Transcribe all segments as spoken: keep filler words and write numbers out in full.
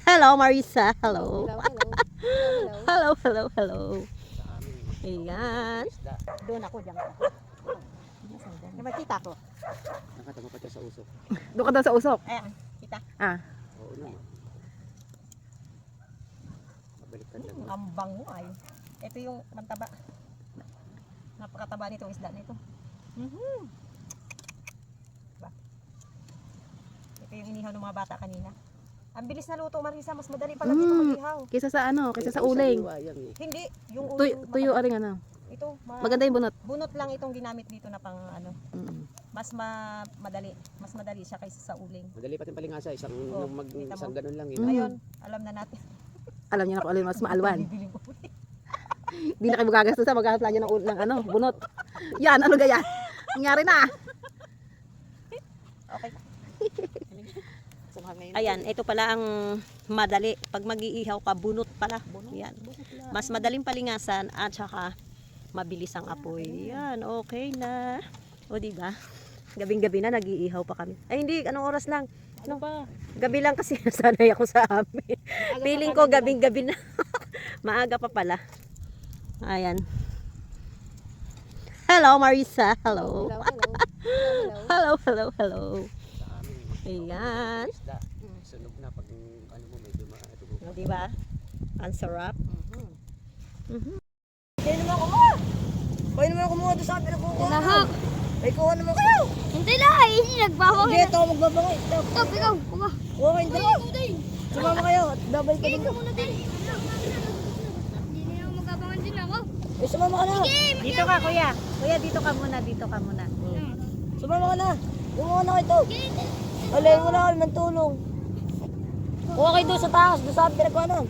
Hello, Marisa. Hello. Hello, hello. Hello, hello, hello. Ayan. Doon ako, diyan ako. Yung magkita ko. Nakatama pa siya sa usok. Doon ka daw sa usok. Ayan, kita. Ah. Oo naman. Mabalik ka dyan. Hmm, ang bango ay. Ito yung mantaba. Napakataba nitong isda na ito. Mm-hmm. Diba? Ito yung inihaw ng mga bata kanina. Ang bilis na luto, Marisa. Mas madali pala dito Mm. mag-ihaw. Kaysa sa ano, kaysa sa Eh, uling. sariwa yan eh. Hindi. Yung Tuyo, ulo. tuyo aring ano. Ito. Ma- Maganda yung bunot. bunot lang itong ginamit dito na pang ano. Mm. Mas ma madali. Mas madali siya kaysa sa uling. Madali pa palingasa. Isang, Oo, nung mag, kita mo. isang ganun lang. Mm. Yun. Ngayon, alam na natin. Alam niyo na kung alin mas maalwan. Bibiling ko. Hindi na kayo magagastos sa maghahanap lang ng, ng ano, bunot. Yan, ano gaya? Nangyari na. Okay. Ayan, ito pala ang madali. Pag mag-iihaw ka, bunot pala. Yan. Mas madaling palingasan at saka mabilis ang apoy. Yan, okay na. O diba? Gabing-gabi na nag-iihaw pa kami. Ay hindi, anong oras lang? Ano ba? Gabi lang kasi nasanay ako sa amin. Feeling ko gabing-gabi na. Maaga pa pala. Ayan. Hello, Marisa. Hello. Hello, hello. Hello, hello, hello. Sa amin. Ayan. Isda. Sunog na pag ano mo medyo maatugo. O diba? Ang sarap. Mhm. Kaya naman kumuha. Kaya naman kumuha doon sa akin na kukuha. Lahak. Ay, kuha naman kayo. Hindi lang, hindi nagbaho. Hindi, ito ako magbabangay. Ito. Stop, ikaw. Kuha. Kuha kayo dito. Sumama kayo. Double ka din. Ikaw muna din. Hindi na ako magabangan din ako. Eh, sumama ka na. Dito ka, kuya. Kuya, dito ka muna. Dito ka muna. Sumama ka na. Kumuha na kayo ito. Alayin mo na kami ng tulong. Kuha kayo doon sa taas. Doon sa akin pinagkuhanan.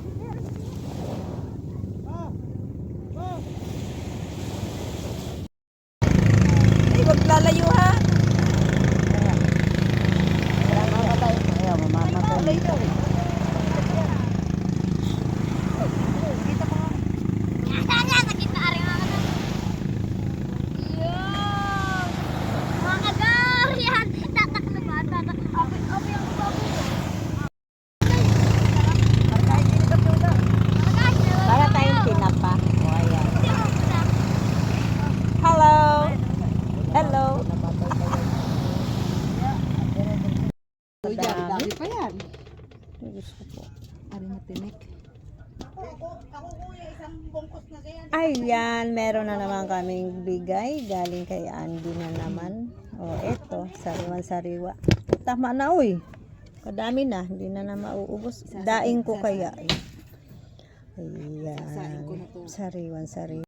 Ay, wag lalayo ha. Mamamatay. Ayaw, mamamatay. Sana, sakit na aring mga na. Yun. Mga kagar, yan. Tataklo ba? Tataklo. Abi, abi ang bago. Para tayong tinapa. O, ayan. Hello. Hello. Dami pa yan. Gusto ko po. Aring matinik. Ayan, meron na naman kaming bigay. Galing kay Andy na naman. O, eto. Sariwan-sariwa. Tama na, uy. Kadami na. Hindi na na mauubos. Daing ko kaya. eh. Ayan. Sariwan-sariwa.